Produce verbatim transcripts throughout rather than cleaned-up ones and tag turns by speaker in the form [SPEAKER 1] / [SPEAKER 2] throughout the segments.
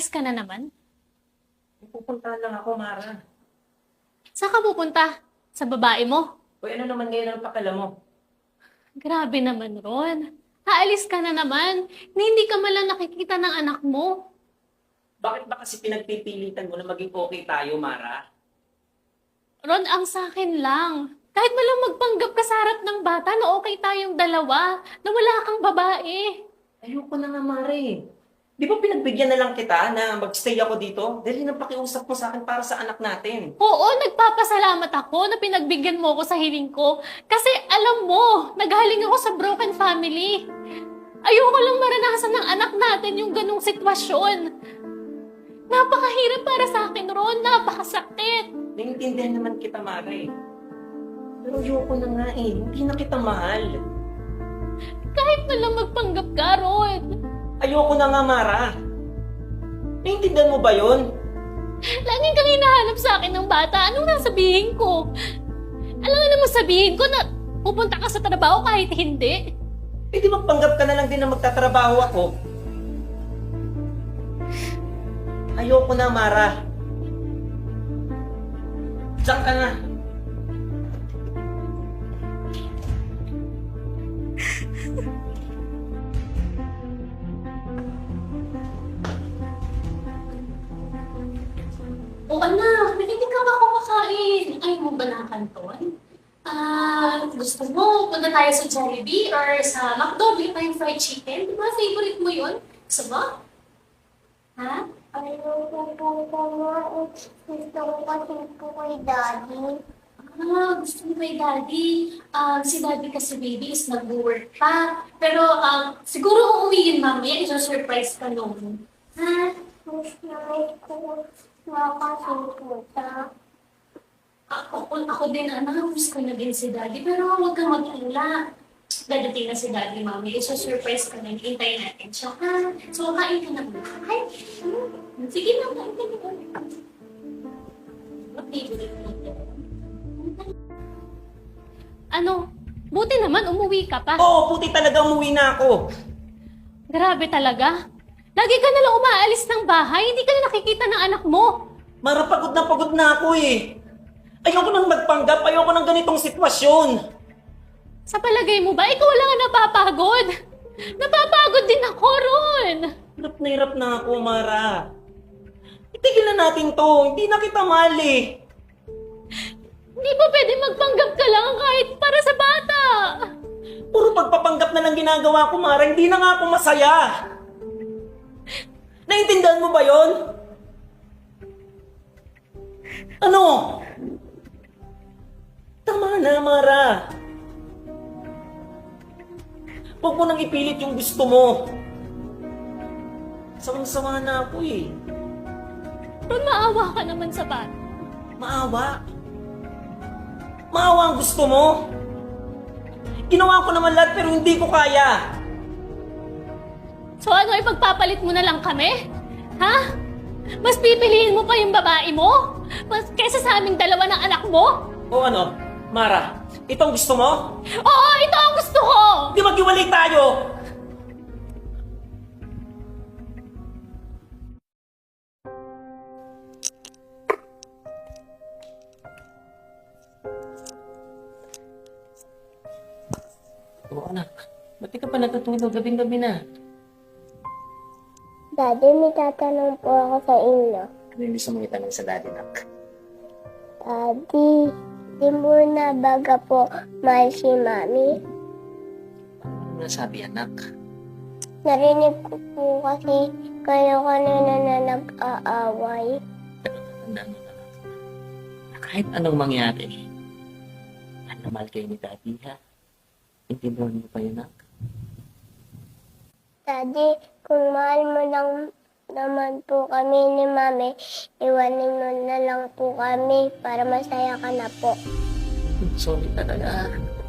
[SPEAKER 1] Aalis ka na naman?
[SPEAKER 2] Pupuntahan lang ako, Mara.
[SPEAKER 1] Saan ka pupunta? Sa babae mo?
[SPEAKER 2] Uy, ano naman ngayon ang pakala mo?
[SPEAKER 1] Grabe naman, Ron. Aalis ka na naman. Na hindi ka malang nakikita ng anak mo.
[SPEAKER 2] Bakit ba kasi pinagpipilitan mo na maging okay tayo, Mara?
[SPEAKER 1] Ron, ang sa akin lang. Kahit malang magpanggap ka sa harap ng bata na okay tayong dalawa, na wala kang babae.
[SPEAKER 2] Ayoko na nga, Mara eh. Di ba pinagbigyan na lang kita na magstay ako dito? Dahil ng pakiusap mo sa akin para sa anak natin.
[SPEAKER 1] Oo, nagpapasalamat ako na pinagbigyan mo ako sa hiling ko. Kasi alam mo, naghaling ako sa broken family. Ayoko lang maranasan ng anak natin yung ganong sitwasyon. Napakahirap para sa akin, Ron. Napakasakit.
[SPEAKER 2] Naiintindihan naman kita, Mara eh. Pero ayoko na nga eh. Hindi na kita mahal.
[SPEAKER 1] Kahit na lang magpanggap ka, Ron.
[SPEAKER 2] Ayoko na nga, Mara. Naiintindihan mo ba yun?
[SPEAKER 1] Laging kang hinahanap sa akin ng bata. Anong nasabihin ko? Alam nga naman sabihin ko na pupunta ka sa trabaho kahit hindi.
[SPEAKER 2] Eh di magpanggap ka na lang din na magtatrabaho ako. Ayoko na, Mara. Diyan ka na.
[SPEAKER 1] O anak, hindi ka ba kumakain? Ayaw mo ba ng kanton? Ah, gusto mo, punta tayo sa Jollibee or sa McDo, bili tayong fried chicken. Di ba, favorite mo yun? Gusto mo? Ha?
[SPEAKER 3] Ayoko po po nga. Gusto ko kasi po kay Daddy.
[SPEAKER 1] Ah, gusto mo kay Daddy. Ah, si Daddy kasi baby is nag-work pa. Pero um, siguro uuwi yun mamaya, i-surprise ka noon. Ha?
[SPEAKER 3] Miss na miss ko makasiputa.
[SPEAKER 1] Ako, ako din, anak, miss ko na din si Daddy. Pero huwag kang mag-alala. Dadating na si Daddy, Mami. I-surprise ka na. Hintayin natin siya, ha? So, kain ka na muna. Hi! Sige na, kain ka na muna. What favorite dito? Ano? Buti naman, umuwi ka pa.
[SPEAKER 2] Oo, puti talaga umuwi na ako.
[SPEAKER 1] Grabe talaga. Lagi ka nalang umaalis ng bahay. Hindi ka na nakikita ng anak mo.
[SPEAKER 2] Mara, pagod na pagod na ako eh. Ayoko nang magpanggap. Ayoko nang ganitong sitwasyon.
[SPEAKER 1] Sa palagay mo ba, ikaw lang ang napapagod? Napapagod din ako, Ron.
[SPEAKER 2] Hirap na hirap na ako, Mara. Itigil na natin to. Hindi na kita mahal eh.
[SPEAKER 1] Hindi ba pwede magpanggap ka lang kahit para sa bata?
[SPEAKER 2] Puro pagpapanggap na lang ginagawa ko, Mara. Hindi na nga ako masaya. Naiintindihan mo ba yon? Ano? Tama na, Mara. Huwag mo nang ipilit yung gusto mo. Sawang-sawa na ako eh.
[SPEAKER 1] Ron, maawa ka naman sa bata.
[SPEAKER 2] Maawa. Maawa ang gusto mo. Ginawa ko naman lahat pero hindi ko kaya.
[SPEAKER 1] So ano, ipagpapalit mo na lang kami? Ha? Mas pipiliin mo pa yung babae mo? Mas kaysa sa aming dalawa ng anak mo?
[SPEAKER 2] O ano, Mara, itong gusto mo?
[SPEAKER 1] Oo, ito ang gusto ko!
[SPEAKER 2] Di maghiwalay tayo! Oo anak, ba't di ka pa natutulog? Gabing-gabi na.
[SPEAKER 3] Daddy, may tatanong po ako sa inyo.
[SPEAKER 2] Ano yung gusto mong itanong sa daddy, nak?
[SPEAKER 3] Daddy, di mo na baga po mahal si Mami?
[SPEAKER 2] Ano nasabi, anak?
[SPEAKER 3] Narinig ko po kasi kayo kanina na nag-aaway.
[SPEAKER 2] Tandaan mo na lang. Na kahit anong mangyari, mahal na mahal kayo ni daddy, ha? Intindihan mo pa yun, nak?
[SPEAKER 3] Daddy, kung mahal mo lang naman po kami ni Mami, iwanin mo na lang po kami para masaya ka na po.
[SPEAKER 2] Sorry talaga.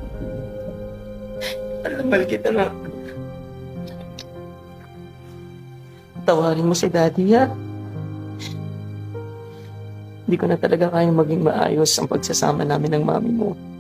[SPEAKER 2] Alam kita na. Tawarin mo si daddy, ha? Hindi ko na talaga kayang maging maayos ang pagsasama namin ng mami mo.